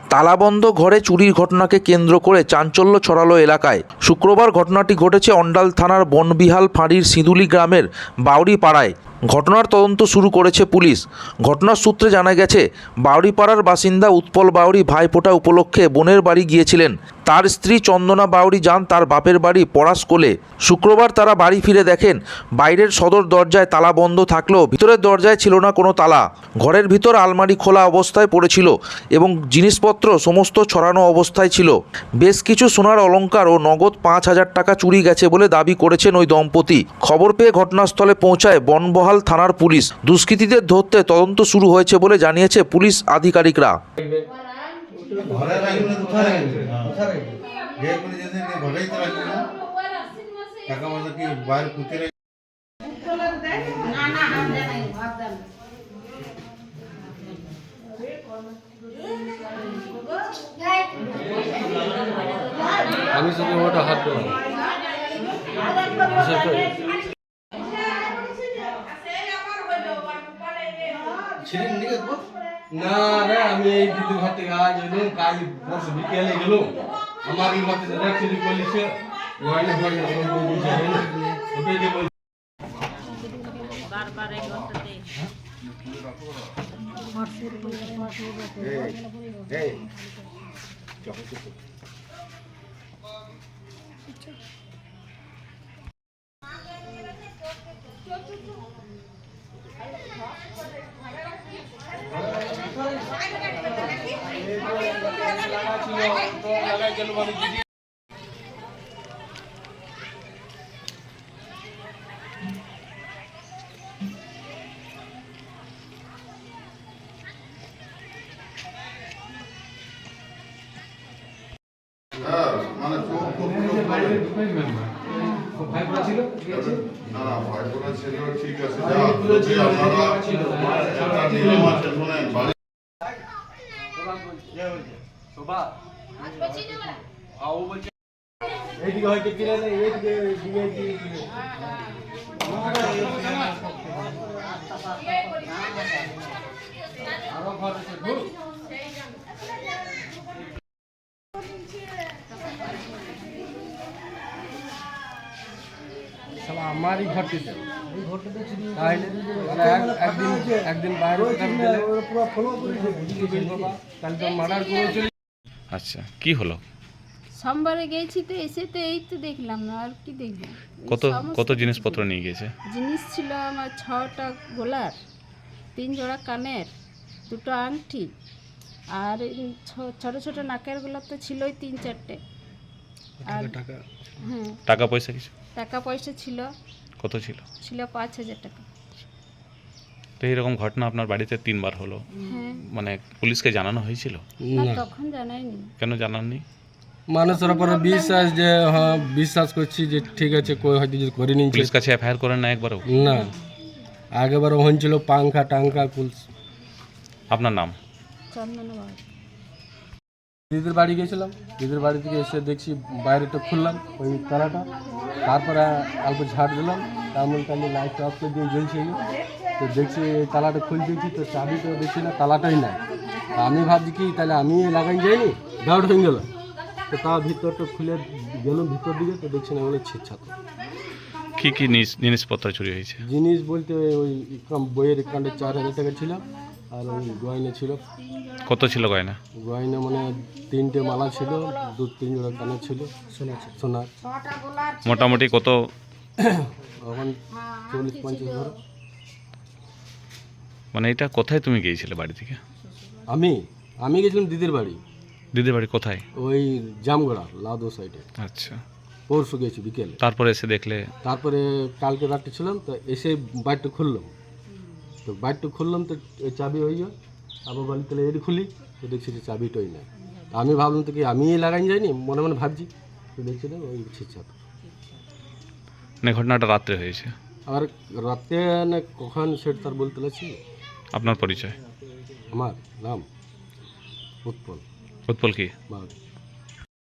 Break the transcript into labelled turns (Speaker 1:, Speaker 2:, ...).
Speaker 1: তালাবন্ধ ঘরে চুরির ঘটনাকে কেন্দ্র করে চাঞ্চল্য ছড়ালো এলাকায়। শুক্রবার ঘটনাটি ঘটেছে অন্ডাল থানার বনবিহাল ফাঁড়ির সিঁদুলি গ্রামের বাউরি পাড়ায়। ঘটনার তদন্ত শুরু করেছে পুলিশ। ঘটনার সূত্রে জানা গেছে, বাউরিপাড়ার বাসিন্দা উৎপল বাউরি ভাইফোঁটা উপলক্ষে বোনের বাড়ি গিয়েছিলেন। তার স্ত্রী চন্দনা বাউরি যান তার বাপের বাড়ি পড়াশকোলে। শুক্রবার তারা বাড়ি ফিরে দেখেন বাইরের সদর দরজায় তালা বন্ধ থাকলেও ভিতরের দরজায় ছিল না কোনো তালা। ঘরের ভিতর আলমারি খোলা অবস্থায় পড়েছিল এবং জিনিসপত্র সমস্ত ছড়ানো অবস্থায় ছিল। বেশ কিছু সোনার অলংকার ও নগদ 5,000 টাকা চুরি গেছে বলে দাবি করেছেন ওই দম্পতি। খবর পেয়ে ঘটনাস্থলে পৌঁছায় বনবহাল থানার পুলিশ। দুষ্কৃতীদের ধরতে তদন্ত শুরু হয়েছে বলে জানিয়েছে পুলিশ আধিকারিকরা।
Speaker 2: আমি শুধু ওটা হাত দিলাম না রে, আমি এই দিদির ঘর থেকে আজ এলাম, কাল পরশু বিকেলে গেলাম। আমার এই মতে চুরি করলিছে
Speaker 3: বারবার এই ঘরটাতে
Speaker 4: মানে চোখ তো পুরো
Speaker 2: ভাইপোড়া ছিল
Speaker 4: না না ভাইপোড়া ছিল ঠিক আছে যা যদি আপনারা একটা নিয়ম আছে শুনেন বাড়ি
Speaker 2: শোভা আও বলছে এইদিকে হয়তো কিনে নেই, এইদিকে দিকে আরো ঘর আছে ঢুক আমারই ঘরটিতে একদিন বাইরে তাহলে তো মার্ডার করে চলে।
Speaker 5: আচ্ছা, কি হলো?
Speaker 3: সোমবারে গেছি তো এসে তো এই তো দেখলাম না, আর কি দেখলাম।
Speaker 5: কত কত জিনিসপত্র নিয়ে গেছে?
Speaker 3: জিনিস ছিল আমার 6টা গোলার, 3 জোড়া কানের, 2টো আংটি, আর ছোট ছোট নাকের গোলাপ তো ছিলই 3-4টে। আর হ্যাঁ,
Speaker 5: টাকা পয়সা কিছু?
Speaker 3: টাকা পয়সা ছিল,
Speaker 5: কত ছিল?
Speaker 3: ছিল 5,000 টাকা।
Speaker 5: তো এইরকম ঘটনা আপনার বাড়িতে 3বার হলো,
Speaker 3: হ্যাঁ,
Speaker 5: মানে পুলিশকে জানানো হয়েছিল?
Speaker 3: না তখন জানাইনি।
Speaker 5: কেন জানাননি?
Speaker 2: মানুষের উপরে বিশ্বাস, যে হ্যাঁ বিশ্বাস করছি যে ঠিক আছে, কই হয়তো যদি করে নিয়েছে।
Speaker 5: পুলিশ কাছে এফআইআর করেন না একবারও?
Speaker 2: না, আগেবার হয়েছিল পাংখা টাঙ্কা পুলিশ।
Speaker 5: আপনার নাম?
Speaker 3: চন্দনা বাবু।
Speaker 2: দিদির বাড়ি গেছিলাম, দিদির বাড়ি থেকে এসে দেখছি বাইরেটা খুললাম ওই তালাটা, তারপরে অল্প ঝাড় দিলাম, তারপরে লাইটটা অফ করে দিয়ে জ্বলছে। তো দেখছি এই তালাটা খুলে দিয়েছি, তো চাবি তো দেখছি না, তালাটাই নাই। আমি ভাবছি কি তাহলে আমি লাগাই যাইনি, ডাউট হয়ে গেল। তো তার ভিতরটা খুলে গেলাম ভিতর দিকে, তো দেখছি না বলে ছিটছাত।
Speaker 5: কি কি জিনিসপত্র চুরি হয়েছে?
Speaker 2: জিনিস বলতে ওই বইয়ের একাউন্টে 4,000 টাকা ছিল, আর ওই গয়না ছিল।
Speaker 5: কত ছিল গয়না?
Speaker 2: গয়না মানে 3টে মালা ছিল, 2-3 জোড়া কানের ছিল সোনার।
Speaker 5: মোটামুটি কত?
Speaker 2: এখন 40-50 ধরো।
Speaker 5: মানে এটা কোথায় তুমি গিয়েছিলে বাড়ি থেকে?
Speaker 2: আমি গেছিলাম দিদির বাড়ি।
Speaker 5: দিদির বাড়ি কোথায়?
Speaker 2: ওই জামগড়া লাদো সাইডে।
Speaker 5: আচ্ছা,
Speaker 2: পরশু গেছি বিকেলে।
Speaker 5: তারপরে এসে দেখলে?
Speaker 2: তারপরে কালকে রাত্রে ছিলাম, তো এসে বাড়িটা খুললাম, তো ওই চাবি হয়ে যায়। আবার বলি তাহলে এটি খুলি, তো দেখছি যে চাবিটাই নাই। আমি ভাবলাম তো কি আমি লাগাই যাইনি, মনে মনে ভাবছি, তো দেখছি না ওই ছিটছাত।
Speaker 5: মানে ঘটনাটা রাত্রে হয়েছে?
Speaker 2: আর রাতে না কখন সেটা তার বলতে পারছি।
Speaker 5: আপনার পরিচয়?
Speaker 2: আমার নাম উৎপল।
Speaker 5: উৎপল কি?
Speaker 2: বাউরি।